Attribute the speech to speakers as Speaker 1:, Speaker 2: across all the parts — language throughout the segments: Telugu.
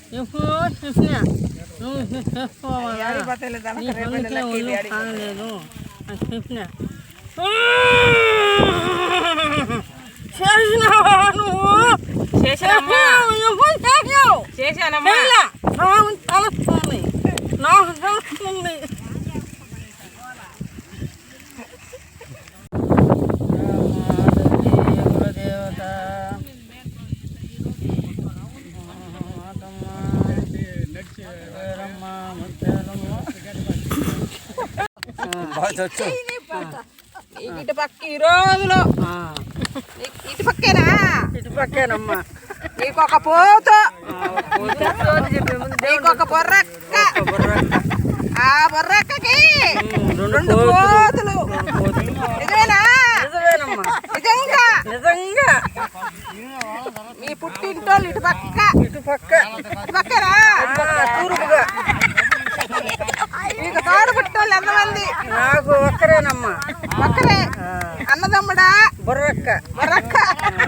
Speaker 1: ఎప్పుడో చెప్పినా నువ్వు చేసుకోవాలా ఒళ్ళు కానలేదు అని చెప్పినా చేసినావా నువ్వు
Speaker 2: చేశానమ్మా
Speaker 1: నాకు తెలుస్తుంది నాకు తెలుస్తుంది
Speaker 2: ఇటు పక్క ఈ రోజులో ఇటు పక్కేనా
Speaker 1: ఇటు పక్కేనమ్మా
Speaker 2: నీకొక పోతు నీకొక బొర్రక్క ఆ బొర్రక్కకి రెండు పోతులు నిజమేనా
Speaker 1: నిజమేనమ్మా
Speaker 2: నిజంగా
Speaker 1: నిజంగా
Speaker 2: మీ పుట్టింటోళ్ళు ఇటు పక్క
Speaker 1: ఇటు
Speaker 2: పక్కరా
Speaker 1: తూర్పుగా
Speaker 2: మీకు తోడు పుట్టోళ్ళు ఎంతమంది
Speaker 1: నాకు ఒక్కరేనమ్మా
Speaker 2: ఒక్కరే అన్నదమ్ముడా
Speaker 1: బుర్రక్క
Speaker 2: బొర్రక్క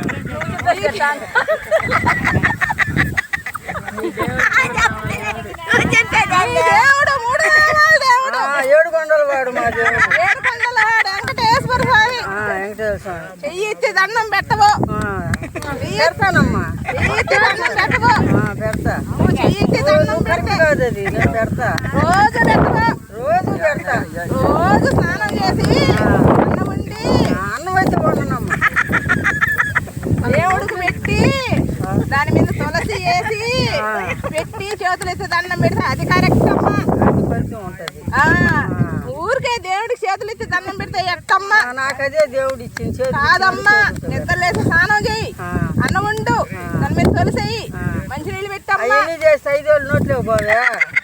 Speaker 2: దేవుడు మూడు దేవుడు
Speaker 1: ఏడు కొండల వాడు మా దేవుడు
Speaker 2: ఏడు కొండల వాడు వెంకటేశ్వర స్వామి
Speaker 1: వెంకటేశ్వర స్వామి
Speaker 2: చెయ్యి ఎత్తి దండం పెట్టవు
Speaker 1: పెడతానమ్మా
Speaker 2: చెయ్యి ఎత్తి దండం పెట్టవు
Speaker 1: పెడతా
Speaker 2: చెయ్యి ఎత్తి దండం
Speaker 1: కరెక్ట్ కాదు అది నేను పెడతా
Speaker 2: రోజు పెట్టవు
Speaker 1: రోజు పెడతా
Speaker 2: రోజు స్నానం చేసి అన్నం వండి
Speaker 1: అన్నం అయితే వండనమ్మా
Speaker 2: దేవుడికి పెట్టి దాని మీద తులసి వేసి పెట్టి చేతులు ఎత్తి దండం పెడితే అది కరెక్ట్ అమ్మా
Speaker 1: అది కొంచెం ఉంటది
Speaker 2: ఊరికే దేవుడికి చేతులు ఎత్తి దండం పెడితే ఎట్టమ్మా
Speaker 1: నాకు అదే దేవుడు ఇచ్చింది
Speaker 2: కాదమ్మా నిద్రలేసి స్నానం చేయి అన్నం వండు దాని మీద తులసేయి మంచి నీళ్ళు పెట్టమ్మా
Speaker 1: అవన్నీ చేసి 5 ఏళ్ళు నోట్లేవు పోవే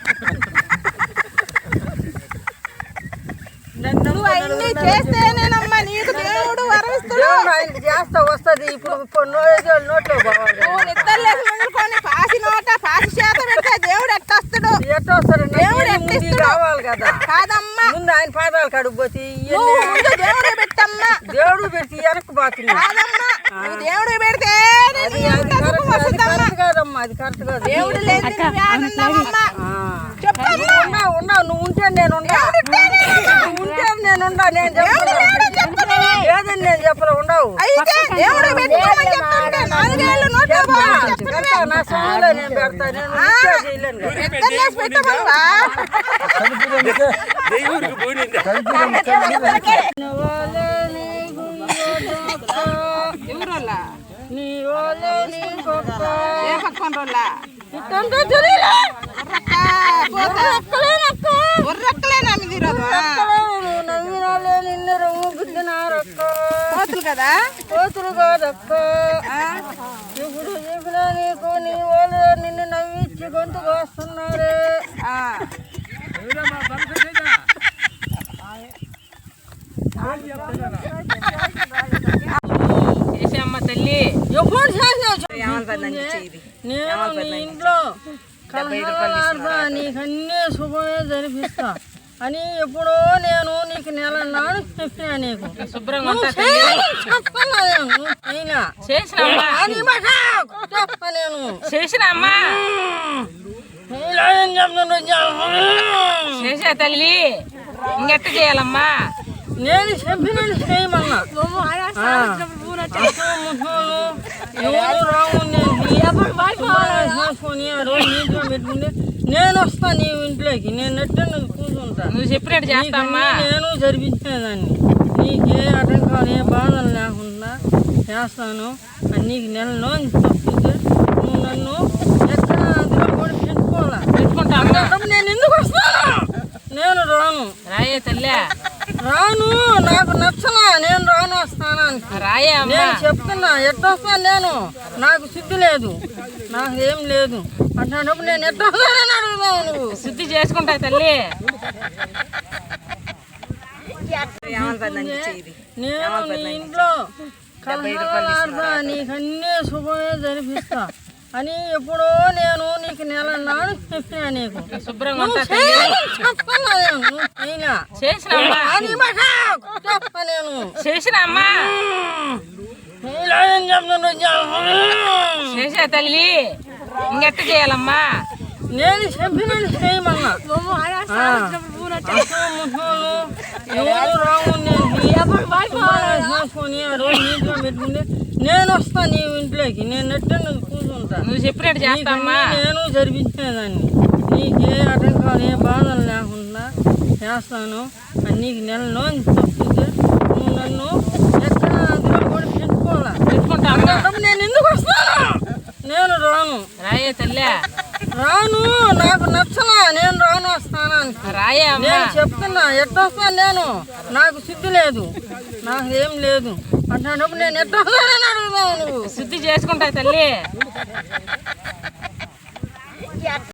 Speaker 2: నువ్వు అవన్నీ చేస్తేనేనమ్మా నీకు దేవుడు వరమిస్తుడు
Speaker 1: ఆయనకి చేస్తా వస్తుంది ఇప్పుడు 5 ఏళ్ళు నోట్లేవు పోవాలి
Speaker 2: నువ్వు నిద్రలేసి వండుకొని పాసి నోట పాసి చేత పెడితే దేవుడు ఎట్టొస్తుడు
Speaker 1: ఎట్లా వస్తారు
Speaker 2: దేవుడు ఎట్టిస్తుడు
Speaker 1: కావాలి కదా
Speaker 2: కాదమ్మా
Speaker 1: ముందు ఆయన పాదాలు కడుగుపోతే
Speaker 2: నువ్వు ముందు దేవుడే పెట్టమ్మా
Speaker 1: దేవుడు పెట్టి వెనక్కి పోతుంది
Speaker 2: కాదమ్మా నువ్వు దేవుడే పెడితే
Speaker 1: అది కరెక్ట్ కాదమ్మా అది కరెక్ట్ కాదు
Speaker 2: దేవుడు లేదు నువ్వేడున్నావమ్మా చెప్పమ్మా
Speaker 1: ఉండవు నువ్వు ఉంటే నేను ఉంటే నేను ఉండా నేను చెప్పను లేదని నేను చెప్పలే ఉండవు
Speaker 2: అయితే దేవుడే పెట్టుకోమని చెప్తుంటే 4 ఏళ్ళు నోట్లో పోవాలి
Speaker 1: పెడతా నా సమయంలో నేను పెడతా నేను నిత్యం చేయలేను కదా.
Speaker 2: నిద్రలేసి పెట్టమనువా ఎవరోళ్ళా
Speaker 1: నీ వాళ్ళే నీ గొప్ప
Speaker 2: ఏ పక్కన రోళ్ళా
Speaker 1: ఇట్టంటే తెలియలే
Speaker 2: బుర్రక్కలేనా మీది ఈరోజు
Speaker 1: నవ్వినాలే నిన్ను రొమ్ము గుద్దినారక్క
Speaker 2: కోతులు కదా
Speaker 1: కోతులు కాదక్క ఇప్పుడు చెప్పినా నీకు నీ వాళ్ళు నిన్ను నవ్విచ్చి గొంతు కోస్తున్నారే
Speaker 2: చేసేమ్మ తల్లి
Speaker 1: ఎప్పుడు నేను నీ ఇంట్లో కలహాలాడతా నీకన్నీ శుభమే జరిపిస్తా అని ఎప్పుడో నేను నీకు నెల నాడు చెప్పినా నీకు
Speaker 2: శుభ్రంగా చేసినమ్మా చేసా తల్లి ఇంకెట్ట చేయాలమ్మా
Speaker 1: నేను చెప్పినట్టు చేయమన్నా ఎవరు రాము చేసుకొని ఆ రోజు నీటిలో పెట్టుకుంటే నేను వస్తా నీ ఇంట్లోకి నేను నెట్టు కూర్చుంటా
Speaker 2: నువ్వు చెప్పినట్టు చేస్తామ్మా
Speaker 1: నేను జరిపించేదాన్ని నీకే ఆటంకాలు ఏ బాధలు లేకుండా చేస్తాను అని నీకు నెలలో చెప్తుంటే నువ్వు నన్ను ఎక్కడ అందులో కూడా పెట్టుకుంటా నేను ఎందుకు వస్తాను నేను రాను
Speaker 2: రాయే తల్లి
Speaker 1: రాను నాకు నచ్చలా నేను రాను వస్తాను
Speaker 2: రాయే
Speaker 1: నేను చెప్తున్నా ఎట్టొస్తాను నేను నాకు శుద్ధి లేదు నాకు ఏం లేదు అట్లాంటప్పుడు నేను ఎట్టొస్తానని అడుగుతావు నువ్వు
Speaker 2: శుద్ధి చేసుకుంటా తల్లి
Speaker 1: నేను నీ ఇంట్లో కలహాలాడతా నీకన్నీ శుభమే జరిపిస్తా అని ఎప్పుడో నేను నీకు నెల నాడు చెప్పినా నీకు
Speaker 2: శుభ్రంగా చేసినమ్మా చేసా తల్లి ఇంకెట్ట చేయాలమ్మా?
Speaker 1: నేను చెప్పినట్టు చేయమన్నా. ఎవరు రావు చేసుకొని ఆ రోజు నీటిలో పెట్టుకుంటే నేను వస్తాను నీ ఇంట్లోకి. నేను నెట్టే కూర్చుంటా.
Speaker 2: నువ్వు చెప్పినట్టు చేస్తామ్మా.
Speaker 1: నేను జరిపించేదాన్ని. నీకే ఆటంకాలు ఏ బాధలు లేకుండా చేస్తాను. నీకు నెలలో తప్పితే నువ్వు నన్ను ఎక్కడ అందులో కూడా పెట్టుకోవాలా. నేను ఎందుకు వస్తాను? నేను రాను.
Speaker 2: రాయే తల్లి
Speaker 1: రాను. నాకు నచ్చనా. నేను రాను వస్తాను.
Speaker 2: రాయే
Speaker 1: నేను చెప్తున్నా ఎట్టొస్తాను. నేను నాకు శుద్ధి లేదు. నాకు ఏం లేదు. అట్లాంటప్పుడు నేను ఎట్టొస్తానని అడుగుతావు నువ్వు.
Speaker 2: శుద్ధి చేసుకుంటా తల్లి.